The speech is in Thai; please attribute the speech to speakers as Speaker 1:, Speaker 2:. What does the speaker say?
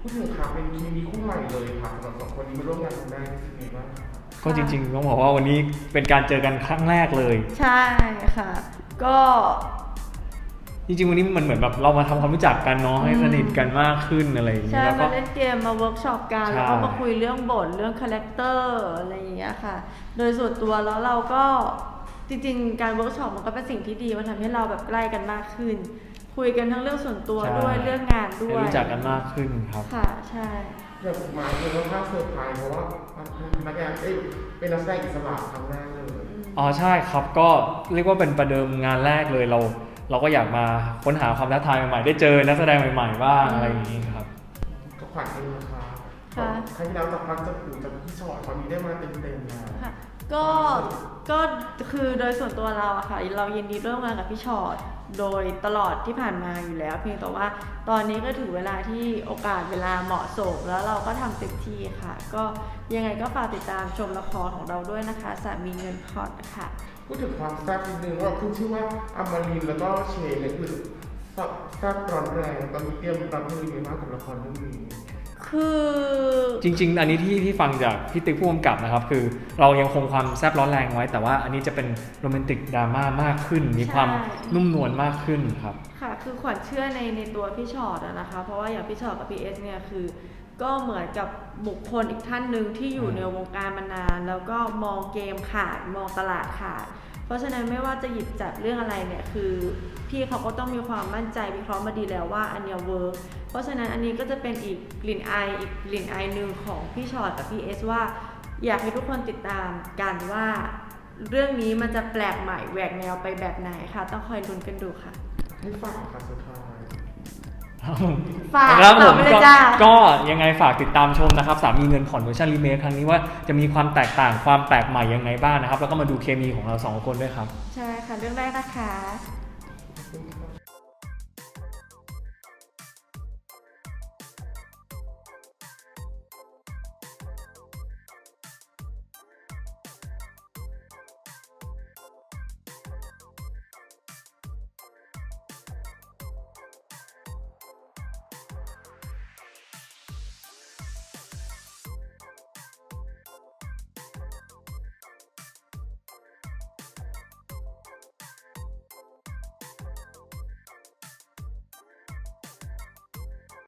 Speaker 1: พูดถึงค่ะเป็นเคมีคู่ใหม่เลยค่ะสำหรับสองคนนี้มาร่วมงานครั้งแรกรู้สึกไงบ้างคะ
Speaker 2: ก็จริงๆต้องบอกว่าวันนี้เป็นการเจอกันครั้งแรกเลย
Speaker 3: ใช่ค่ะก็
Speaker 2: จริงๆวันนี้มันเหมือนแบบเรามาทำความรู้จักกันเนาะให้สนิทกันมากขึ้นอะไรอย่างเงี้
Speaker 3: ใช่
Speaker 2: ยแล้วก็
Speaker 3: มาเล่นเกมมาเวิร์กช็อปกัน
Speaker 2: ใช่
Speaker 3: แล้วก็มาคุยเรื่องบทเรื่องคาแรคเตอร์อะไรอย่างเงี้ยค่ะโดยส่วนตัวแล้วเราก็จริงๆการเวิร์กช็อปมันก็เป็นสิ่งที่ดีมันทำให้เราแบบใกล้กันมากขึ้นคุยกันทั้งเรื่องส่วนตัวด้วยเรื่องงานด้วย
Speaker 2: รู้จักกันมากขึ้นครับ
Speaker 3: ค่ะใช่
Speaker 1: อย่างมาคือค่อนข้างเซอร์ไพรส์เพราะว่านักงานเป็นนักแสดงอิสระครั้งแรกเลย
Speaker 2: อ๋อใช่ครับก็เรียกว่าเป็นประเดิมงานแรกเลยเราก็อยากมาค้นหาความท้าทายใหม่ๆได้เจอนักแสดงใหม่ๆบ้างอะไรอย่างนี้ครับ
Speaker 1: ก็ขวัญเองนะคะครั้งที่แล้วจากพักจากปู่จากพี่ชอตตอนนี้ได้มาเต็มๆแล้ว
Speaker 3: ค่ะก็คือโดยส่วนตัวเราอะค่ะเรายินดีร่วมงานกับพี่ชอตโดยตลอดที่ผ่านมาอยู่แล้วเพียงแต่ว่าตอนนี้ก็ถึงเวลาที่โอกาสเวลาเหมาะสมแล้วเราก็ทำเต็มที่ค่ะก็ยังไงก็ฝากติดตามชมละครของเราด้วยนะคะสามีเงินพอดค่ะ
Speaker 1: พูดถึงความแซ่บนิดนึงว่าขึ้นชื่อว่าอมรินทร์แล้วก็เชนเนี่ยคือแซ่บร้อนแรงตอนนี้เตรียมรับมือยังไงบ้างกับละครเรื่องนี้
Speaker 3: คือ
Speaker 2: จริงๆอันนี้ที่ฟังจากพี่ติ๊กผู้กำกับนะครับคือเรายังคงความแซ่บร้อนแรงไว้แต่ว่าอันนี้จะเป็นโรแมนติกดราม่ามากขึ้นมีความนุ่มนวลมากขึ้นครับ
Speaker 3: ค่ะคือขวัญเชื่อในตัวพี่ชอตนะคะเพราะว่าอย่างพี่ชอตกับพี่เอสเนี่ยคือก็เหมือนกับบุคคลอีกท่านหนึ่งที่อยู่ในวงการมานานแล้วก็มองเกมขาดมองตลาดขาดเพราะฉะนั้นไม่ว่าจะหยิบจับเรื่องอะไรเนี่ยคือพี่เขาก็ต้องมีความมั่นใจวิเคราะห์มาดีแล้วว่าอันเนี้ยเวิร์กเพราะฉะนั้นอันนี้ก็จะเป็นอีกกลิ่นอายหนึ่งของพี่ชอตกับพี่เอสว่าอยากให้ทุกคนติดตามกันว่าเรื่องนี้มันจะแปลกใหม่แหวกแนวไปแบบไหนค่ะต้องคอยลุ้นกันดูค่ะ
Speaker 1: ให้ฝากค่ะสุดท้าย
Speaker 3: ฝาก
Speaker 2: ครับผมก็ยังไงฝากติดตามชมนะครับสามีเงินผ่อนเวอร์ชันรีเมคครั้งนี้ว่าจะมีความแตกต่างความแปลกใหม่ยังไงบ้างนะครับแล้วก็มาดูเคมีของเราสองคนด้วยครับ
Speaker 3: ใช่ค่ะเรื่องแรกนะคะ